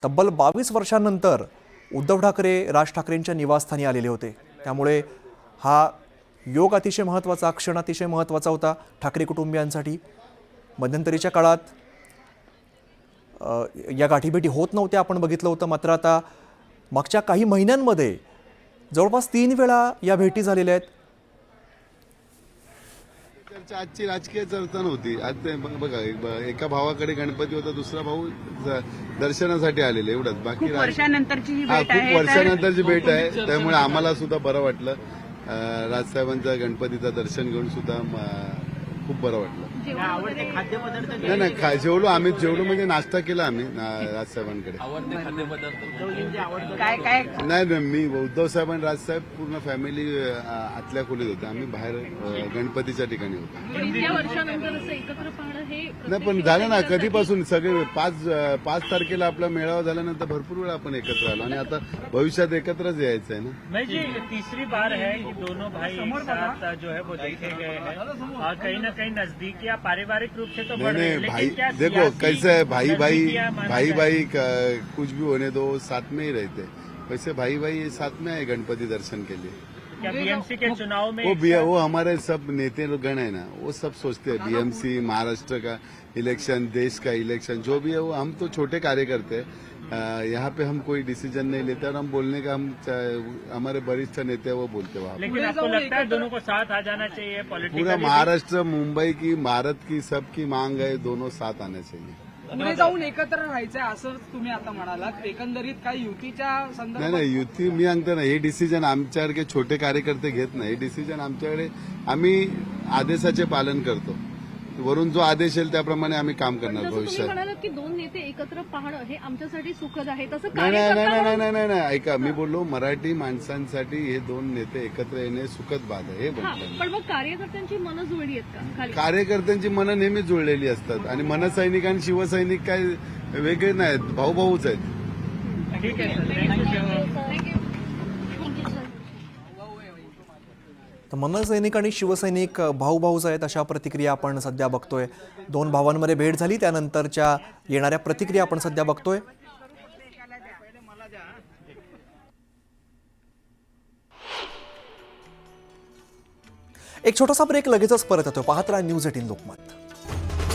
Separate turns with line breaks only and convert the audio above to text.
तब्बल 22 वर्षांनंतर उद्धव ठाकरे राज ठाकरेंच्या निवासस्थानी आलेले होते। त्यामुळे हा योग अतिशय महत्त्वाचा, क्षण अतिशय महत्त्वाचा होता ठाकरे कुटुंबियांसाठी। मध्यंतरीच्या काळात या गाठीभेटी होत नव्हत्या, आपण बघितलं होतं। मात्र आता मागच्या काही महिन्यांमध्ये जवळपास 3 वेळा या भेटी झालेल्या आहेत।
आजची राजकीय चर्चा नव्हती। आज ते बघा, एका भावाकडे गणपती होता, दुसरा भाऊ दर्शनासाठी आलेले, एवढंच। बाकी
खूप वर्षानंतरची ही भेट आहे,
खूप वर्षानंतरची भेट आहे, त्यामुळे आम्हाला सुद्धा बरं वाटलं। राजसाहेबांचा गणपतीचं दर्शन घेऊन सुद्धा खूप बरं वाटलं। नाही नाही, जेवलो आम्ही, जेवलो म्हणजे नाश्ता केला आम्ही राजसाहेबांकडे।
काय काय
नाही, मी उद्धव साहेब आणि राजसाहेब पूर्ण फॅमिली आतल्या खोलीत होते, आम्ही बाहेर गणपतीच्या ठिकाणी होतो।
इतक्या वर्षानंतर असं एकत्र पाहणं हे
नाही, पण झालं ना कधीपासून, सगळे 5 तारखेला आपला मेळावा झाल्यानंतर भरपूर वेळा आपण एकत्र आलो आणि आता भविष्यात एकत्रच यायचं आहे ना।
मैं जी तीसरी बार है कि दोनों भाई एक साथ जो है वो देखे गए हैं और कहीं ना कहीं नजदीक या पारिवारिक रूप से तो बढ़ रहे हैं,
नहीं भाई,
लेकिन क्या
देखो कैसे है, भाई
नजदीकियां
भाई कुछ भी होने दो, साथ में ही रहते। वैसे भाई साथ में आए गणपति दर्शन के लिए।
क्या बीएमसी के चुनाव में
वो हमारे सब नेते गण है ना, वो सब सोचते हैं बीएमसी, महाराष्ट्र का इलेक्शन, देश का इलेक्शन, जो भी है वो, हम तो छोटे कार्यकर्ते हैं। यहाँ पे हम कोई डिसीजन नहीं लेते और हम बोलने का, हमारे वरिष्ठ नेते हैं वो बोलते वहाँ।
लेकिन आपको लगता है दोनों को साथ आ जाना चाहिए पॉलिटिकली?
पूरा महाराष्ट्र, मुंबई की, भारत की सबकी मांग है, दोनों साथ आने चाहिए।
पुढे जाऊन एकत्र राहायचंय असं तुम्ही आता म्हणालात। एकंदरीत काही युतीच्या संदर्भात
नाही, युती मी सांगतो ना, हे डिसिजन आमच्यासारखे छोटे कार्यकर्ते घेत नाही। हे डिसिजन आमच्याकडे, आम्ही आदेशाचे पालन करतो, वरून जो आदेश येईल त्याप्रमाणे आम्ही काम करणार
तुम्ही
भविष्यात।
म्हणालात की दोन नेते एकत्र पाहणं हे आमच्यासाठी सुखद आहे, तसं
नाही नाही नाही
कार्यकर्ता
नाही नाही नाही, ऐका, मी बोललो मराठी माणसांसाठी हे दोन नेते एकत्र येणे सुखद बात आहे, हे
हा,
बोलतो।
पण मग कार्यकर्त्यांची मनं जुळली आहेत का खाली?
कार्यकर्त्यांची मनं नेहमी जुळलेली असतात आणि मनसैनिक आणि शिवसैनिक काय वेगळे नाहीत, भाऊभाऊच आहेत।
ठीक है सर, थैंक यू।
तर मनसैनिक आणि शिवसैनिक भाऊभाऊच आहेत, अशा प्रतिक्रिया आपण सध्या बघतोय। 2 भावांमध्ये भेट झाली, त्यानंतरच्या येणाऱ्या प्रतिक्रिया आपण सध्या बघतोय। एक छोटासा ब्रेक, लगेचच परत येतो। पाहत राहा न्यूज 18 लोकमत।